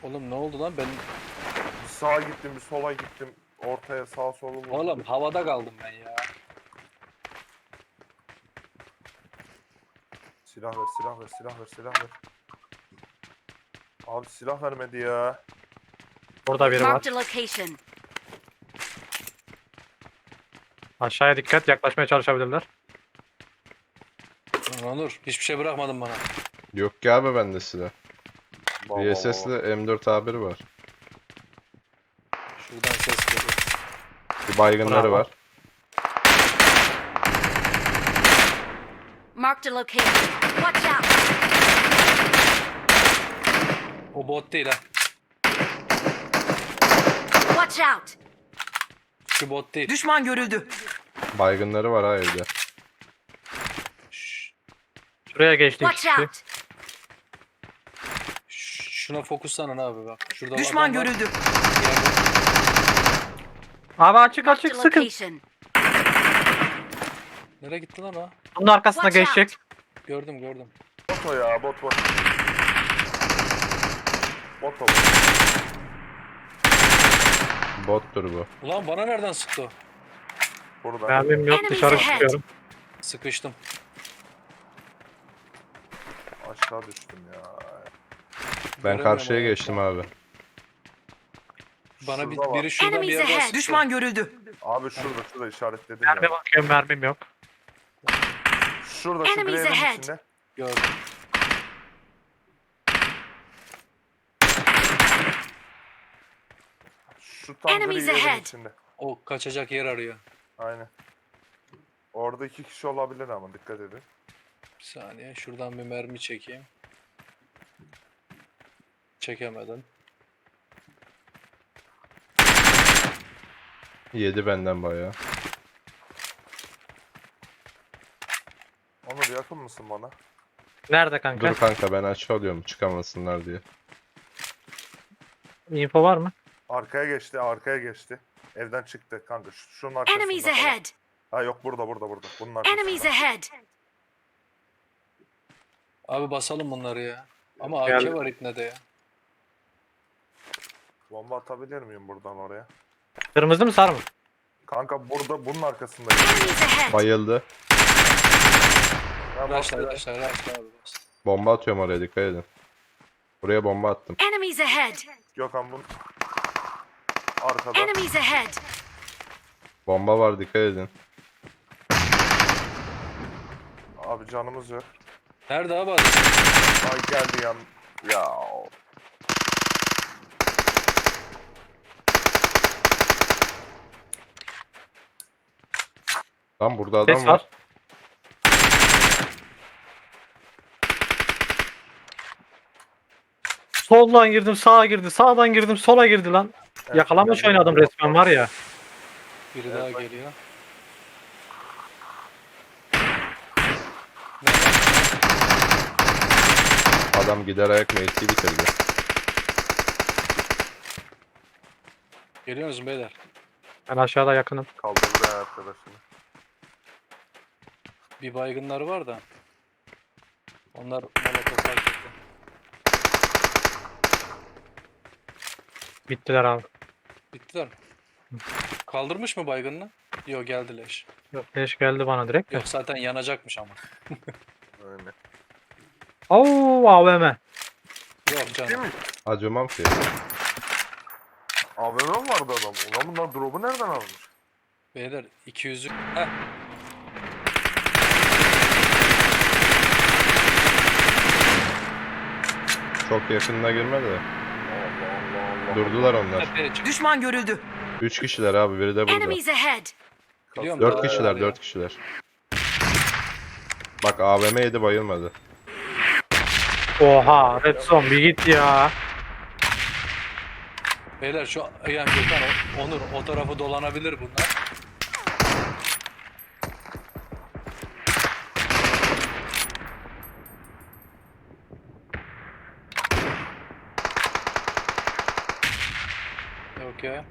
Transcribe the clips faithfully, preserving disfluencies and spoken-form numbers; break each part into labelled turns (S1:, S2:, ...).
S1: Oğlum ne oldu lan? Ben
S2: Bir sağa gittim, bir sola gittim. Ortaya sağ solu vurdum.
S1: oğlum havada kaldım ben ya.
S2: Silah ver, silah ver, silah ver, silah ver. Abi silah vermedi ya.
S3: Burada biri var.
S4: Marked a location.
S3: Aşağıya dikkat, yaklaşmaya çalışabilirler.
S1: Lan Onur hiçbir şey bırakmadın bana.
S5: Yok ki abi bende silah.
S2: Baba,
S5: V S S'li M dört A bir var.
S1: Şuradan ses geliyor.
S5: Bir baygınları
S3: Bravo.
S5: var.
S4: Marked a location. Watch out.
S1: O bot değil ha.
S4: Watch out.
S1: Şu bot değil.
S6: Düşman görüldü.
S5: Baygınları var ha evde.
S1: Şş,
S3: Şuraya geçti iki
S4: Watch
S3: kişi.
S4: out.
S1: ş- Şuna fokuslanın abi bak. Şurada
S6: Düşman
S1: adam var.
S6: görüldü.
S1: Yerde.
S3: Abi açık
S4: Marked
S3: açık
S4: a
S3: sıkın.
S4: location.
S1: Nereye gitti lan o?
S3: Bunun arkasına
S4: Watch
S3: geçecek.
S1: Gördüm gördüm.
S2: Bot o ya, bot bot. Bot o.
S5: Bottur bu.
S1: Ulan bana nereden sıktı o?
S2: Burada.
S3: Mermim yok,
S4: Enemies
S3: dışarı
S4: ahead.
S3: çıkıyorum.
S1: Sıkıştım.
S2: Aşağı düştüm ya.
S5: Ben
S1: Göremiyorum
S5: karşıya
S1: onu.
S5: geçtim abi.
S1: Bana bir,
S2: Şurada var.
S1: biri şuradan bir
S4: Enemies
S1: yerden
S4: ahead.
S1: sıktı.
S6: Düşman görüldü.
S2: Abi şurada, şurada işaretledim
S3: Mermi
S2: ya.
S3: bakıyorum, mermim yok.
S2: Şurada, şu
S4: Enemies
S2: greyenin
S4: ahead.
S2: içinde.
S1: Gördüm.
S2: Şu tam
S4: Enemies
S2: gri yerin
S4: ahead.
S2: içinde.
S1: O kaçacak yer arıyor.
S2: Aynen. Orada iki kişi olabilir ama dikkat edin.
S1: Bir saniye şuradan bir mermi çekeyim. Çekemedim.
S5: Yedi benden bayağı.
S2: Onur yakın mısın bana?
S3: Nerede kanka?
S5: Dur kanka ben aç alıyorum çıkamasınlar diye.
S3: Info var mı?
S2: Arkaya geçti, arkaya geçti. Evden çıktı kanka. Şu, şunun arkasında.
S4: Enemies
S2: falan.
S4: ahead.
S2: Ha yok burada, burada, burada. Bunun arkasında.
S4: Enemies ahead.
S1: Abi basalım bunları ya. Ama
S3: Gel.
S1: A K var ipnede ya.
S2: Bomba atabilir miyim buradan oraya?
S3: Kırmızı mı sarı mı?
S2: Kanka burada, bunun arkasında.
S4: Enemies ahead.
S5: Bayıldı.
S2: Ya
S1: Raşla
S2: bak-
S1: raşla raşla abi bas.
S5: Bomba atıyorum oraya dikkat edin. Buraya bomba attım.
S4: Enemies ahead.
S2: Gökhan bunun arkada.
S4: Enemies ahead.
S5: Bomba var dikkat edin.
S2: Abi canımız yok.
S1: Nerede abi adam?
S2: Ay geldi yan. Ya.
S5: Lan burada adam
S3: Ses
S5: var.
S3: var. Soldan girdim, sağa girdi, sağdan girdim, sola girdi lan.
S2: Evet,
S3: Yakalamış
S2: geldi.
S3: oynadım resmen var ya.
S1: Biri
S2: Evet,
S1: daha
S2: bak.
S1: geliyor.
S5: Adam gider ayak mevkiyi bitirdi.
S1: Geliyor musun beyler?
S3: Ben aşağıda yakınım.
S2: Kaldırdı ya arkadaşını.
S1: Bir baygınları var da. Onlar molotof fark etti.
S3: Bittiler abi.
S1: Bittiler mi? Kaldırmış mı baygınını? Yok geldi leş.
S3: Yok, leş geldi bana direkt de.
S1: Yok zaten yanacakmış ama.
S2: Öyle.
S3: Oo, A V M.
S1: Yok
S2: Değil
S1: canım.
S2: mi?
S5: Acımam ki.
S2: A V M vardı adam. Ulan bunlar drop'u nereden almış?
S1: Beyler iki yüzlük. Heh.
S5: Çok yakınına girme de.
S2: Allah Allah Allah.
S5: Durdular onlar.
S1: Tepeye çık.
S6: Düşman görüldü.
S5: Üç kişiler abi biri de burada.
S4: Enemies ahead.
S1: Biliyorum,
S5: Dört
S1: daha
S5: kişiler
S1: var ya.
S5: dört kişiler. Bak A V M yedi bayılmadı.
S3: Oha, Red Zone bir git ya.
S1: Beyler şu yani Gökhan o- Onur o tarafı dolanabilir bunlar. Yok ya.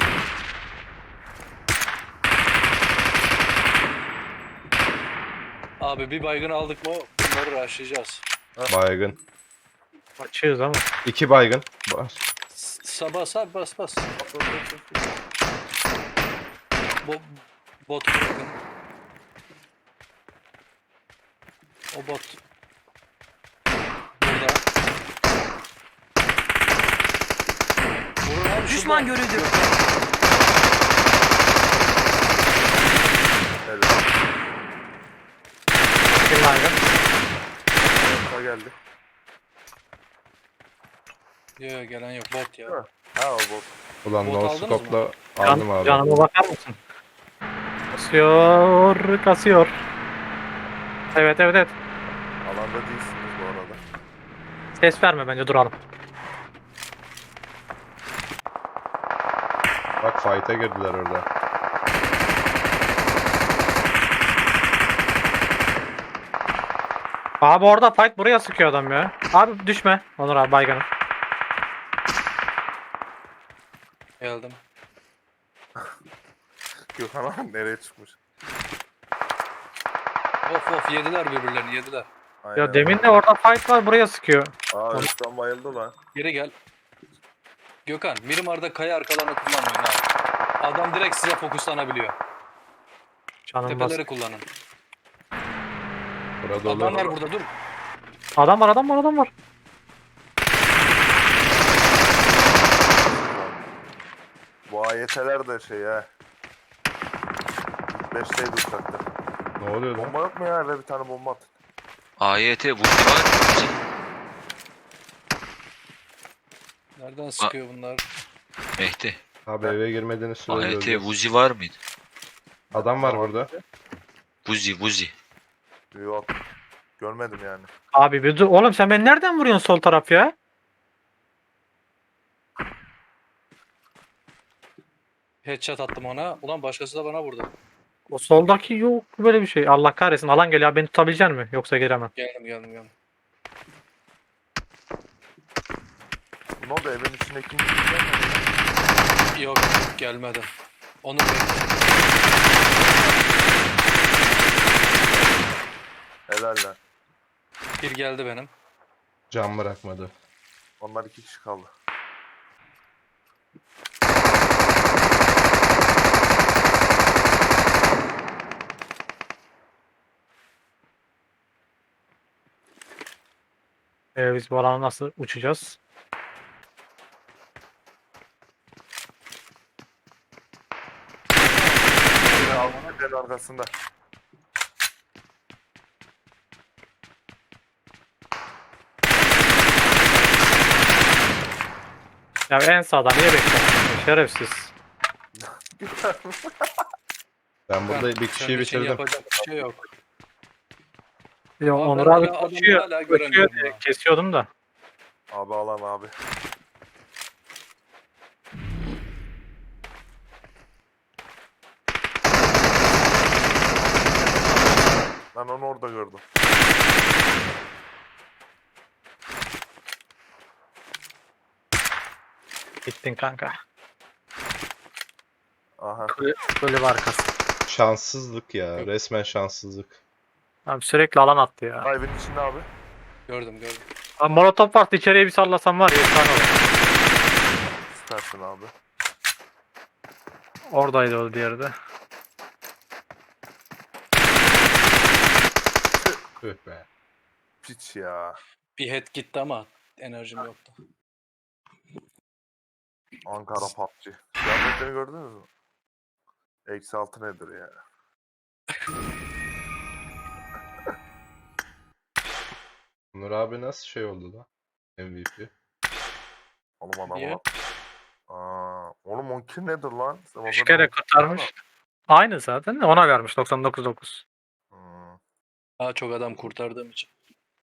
S1: Abi bir baygın aldık mı bunları rushlayacağız.
S5: Baygın.
S3: Açığız ama.
S5: İki baygın. var.
S1: Sabah sab bas bas. Bo bot bırakın. O bot. Burada. Vurun abi,
S4: Düşman
S1: şurada.
S4: görüldü.
S2: Evet.
S3: Bir baygın.
S2: Orta geldi.
S1: Yok yok, gelen yok, bot ya.
S2: Ha. Ha o bot.
S5: Ulan
S1: Bot
S5: no
S1: aldınız
S5: scope'la
S3: Can,
S5: aldım abi.
S3: canıma bakar mısın? Kasıyor, kasıyor. Evet evet evet.
S2: Alanda değilsiniz bu arada.
S3: Ses verme bence duralım.
S5: Bak fight'e girdiler orada.
S3: Abi orada fight buraya sıkıyor adam ya. Abi düşme. Onur abi baygınım.
S1: Geldim.
S2: Gökhan abi nereye çıkmış?
S1: Of of, yediler birbirlerini, yediler.
S2: Aynen.
S3: Ya demin de orada fight var buraya sıkıyor.
S2: Aa Özkan bayıldı lan.
S1: Geri gel. Gökhan, Mirimar'da kaya arkalarını kullanmayın ha. Adam direkt size fokuslanabiliyor.
S3: Canım bas.
S1: Tepeleri kullanın.
S5: Burada
S1: Adamlar
S5: olur.
S1: burada, dur.
S3: Adam var adam var adam var.
S2: Bu A Y T'ler de şey ha. beşteydi uçakta.
S5: Ne oluyor lan?
S2: Bomba yok mu ya? Eve bir tane bomba at.
S6: A Y T Vuzi var mı?
S1: Nereden sıkıyor bunlar?
S6: Mehdi.
S5: Abi eve girmediğiniz
S6: A
S5: sürece
S6: Y T
S5: öleceğiz.
S6: Vuzi var mıydı?
S5: Adam var burada.
S6: Vuzi Vuzi.
S2: Yok. Görmedim yani.
S3: Abi bir dur. Oğlum sen beni nereden vuruyorsun sol taraf ya?
S1: Headshot attım ona. Ulan başkası da bana vurdu.
S3: O soldaki yok böyle bir şey. Allah kahretsin. Alan geliyor. Abi beni tutabilecek mi? Yoksa giremem.
S1: Geldim geldim geldim.
S2: Ne oldu evin içine kim girecek?
S1: Yok, gelmedi. Onu bekle.
S2: Helal lan.
S1: Bir geldi benim.
S5: Can bırakmadı.
S2: Onlar iki kişi kaldı.
S3: Ee, biz bu alana nasıl uçacağız?
S2: Biri aldı tepenin arkasında.
S3: Ya en sağdan niye bekliyorsun? Şerefsiz.
S5: Ben burada bir
S1: Senin
S5: kişiyi
S1: için
S5: bitirdim.
S1: yapacak bir şey yok.
S3: Ya
S1: Abi
S3: Onur
S1: ben
S3: abi
S1: hala adamı
S3: koşuyor.
S1: hala
S3: Koşuyor
S1: göremiyorum
S3: diye
S1: ha.
S3: kesiyordum da.
S2: Abi alan abi. Ben onu orada gördüm.
S3: Gittin kanka.
S2: Aha.
S3: Kule, kulübe arkası.
S5: Şanssızlık ya. Resmen şanssızlık.
S3: Abi sürekli alan attı ya.
S2: Ha, evin içinde abi.
S1: Gördüm gördüm.
S3: Abi molotof vardı içeriye bir sallasam var ya efsane olur.
S2: Süpersin abi.
S3: Oradaydı o diğeri de.
S5: Tüh be.
S2: Piç ya.
S1: Bir head gitti ama enerjim yoktu.
S2: Ankara P U B G. Kıyafetleri gördünüz mü? Eksi altı nedir ya?
S5: Onur abi nasıl şey oldu da? M V P.
S2: Oğlum adamı
S1: Niye?
S2: lan. Aa, oğlum on kill nedir lan? Sen o
S3: Üç
S2: kadar
S3: kere
S2: on kill
S3: kurtarmış.
S2: yapma.
S3: Aynı zaten de ona vermiş doksan dokuz dokuz.
S2: Hmm.
S1: Daha çok adam kurtardığım için.